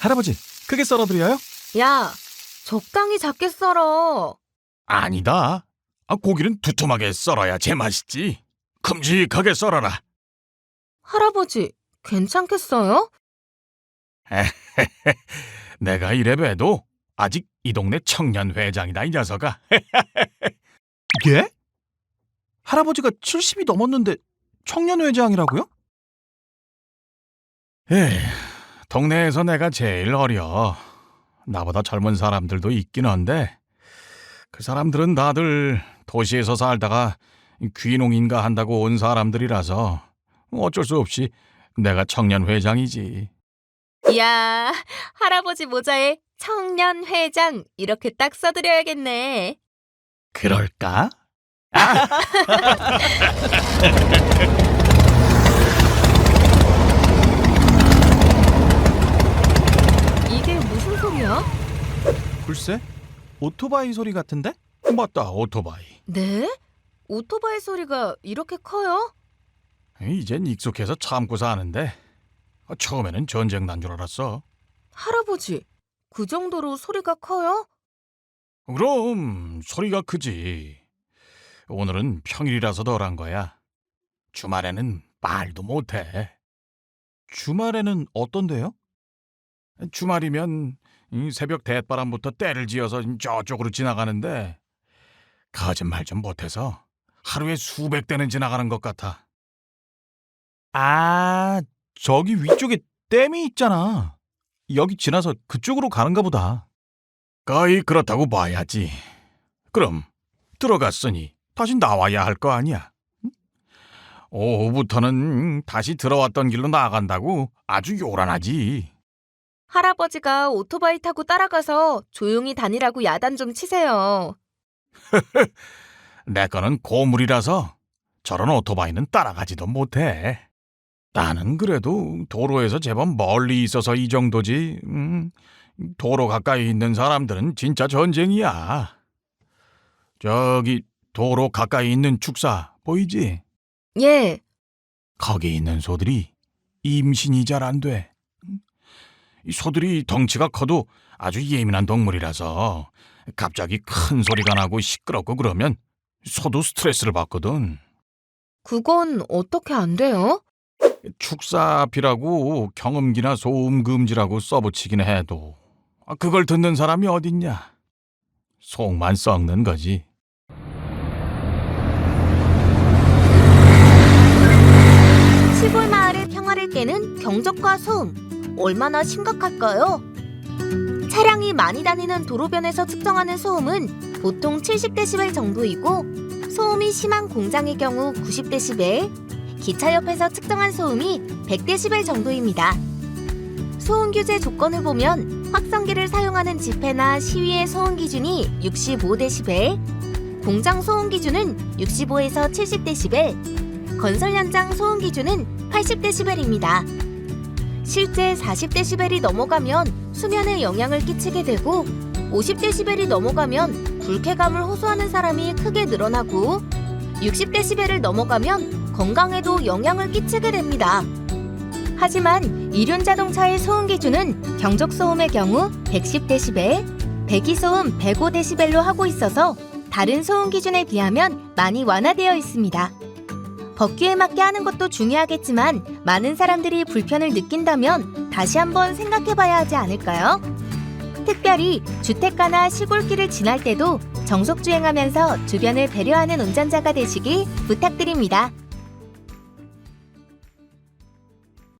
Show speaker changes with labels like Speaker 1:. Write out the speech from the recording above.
Speaker 1: 할아버지, 크게 썰어드려요?
Speaker 2: 야, 적당히 작게 썰어.
Speaker 3: 아니다. 고기는 두툼하게 썰어야 제맛이지. 큼직하게 썰어라.
Speaker 2: 할아버지, 괜찮겠어요?
Speaker 3: 내가 이래봬도 아직 이 동네 청년회장이다, 이 녀석아.
Speaker 1: 예? 할아버지가 70이 넘었는데 청년회장이라고요?
Speaker 3: 에휴, 동네에서 내가 제일 어려. 나보다 젊은 사람들도 있긴 한데 그 사람들은 다들 도시에서 살다가 귀농인가 한다고 온 사람들이라서 어쩔 수 없이 내가 청년회장이지.
Speaker 2: 이야, 할아버지 모자에 청년회장 이렇게 딱 써드려야겠네.
Speaker 3: 그럴까?
Speaker 2: 이게 무슨 소리야?
Speaker 1: 글쎄, 오토바이 소리 같은데?
Speaker 3: 맞다, 오토바이.
Speaker 2: 네? 오토바이 소리가 이렇게 커요?
Speaker 3: 이젠 익숙해서 참고 사는데 처음에는 전쟁 난 줄 알았어.
Speaker 2: 할아버지, 그 정도로 소리가 커요?
Speaker 3: 그럼 소리가 크지. 오늘은 평일이라서 덜한 거야. 주말에는 말도 못해.
Speaker 1: 주말에는 어떤데요?
Speaker 3: 주말이면 이 새벽 대바람부터 때를 지어서 저쪽으로 지나가는데 거짓말 좀 못해서 하루에 수백 대는 지나가는 것 같아.
Speaker 1: 아, 저기 위쪽에 댐이 있잖아. 여기 지나서 그쪽으로 가는가 보다.
Speaker 3: 거의 그렇다고 봐야지. 그럼 들어갔으니 다시 나와야 할 거 아니야. 응? 오후부터는 다시 들어왔던 길로 나간다고 아주 요란하지.
Speaker 2: 할아버지가 오토바이 타고 따라가서 조용히 다니라고 야단 좀 치세요.
Speaker 3: 내 거는 고물이라서 저런 오토바이는 따라가지도 못해. 나는 그래도 도로에서 제법 멀리 있어서 이 정도지. 도로 가까이 있는 사람들은 진짜 전쟁이야. 저기 도로 가까이 있는 축사 보이지?
Speaker 2: 예,
Speaker 3: 거기 있는 소들이 임신이 잘 안 돼. 이 소들이 덩치가 커도 아주 예민한 동물이라서 갑자기 큰 소리가 나고 시끄럽고 그러면 소도 스트레스를 받거든.
Speaker 2: 그건 어떻게 안 돼요?
Speaker 3: 축사비라고 경음기나 소음 금지라고 써붙이긴 해도 그걸 듣는 사람이 어딨냐. 속만 썩는 거지.
Speaker 2: 시골 마을의 평화를 깨는 경적과 소음, 얼마나 심각할까요? 차량이 많이 다니는 도로변에서 측정하는 소음은 보통 70데시벨 정도이고 소음이 심한 공장의 경우 90데시벨, 기차 옆에서 측정한 소음이 100데시벨 정도입니다. 소음 규제 조건을 보면 확성기를 사용하는 집회나 시위의 소음 기준이 65데시벨, 공장 소음 기준은 65에서 70데시벨, 건설 현장 소음 기준은 80데시벨입니다. 실제 40데시벨이 넘어가면 수면에 영향을 끼치게 되고 50데시벨이 넘어가면 불쾌감을 호소하는 사람이 크게 늘어나고 60데시벨을 넘어가면 건강에도 영향을 끼치게 됩니다. 하지만 이륜자동차의 소음 기준은 경적소음의 경우 110데시벨, 배기소음 105데시벨로 하고 있어서 다른 소음 기준에 비하면 많이 완화되어 있습니다. 법규에 맞게 하는 것도 중요하겠지만 많은 사람들이 불편을 느낀다면 다시 한번 생각해봐야 하지 않을까요? 특별히 주택가나 시골길을 지날 때도 정속주행하면서 주변을 배려하는 운전자가 되시길 부탁드립니다.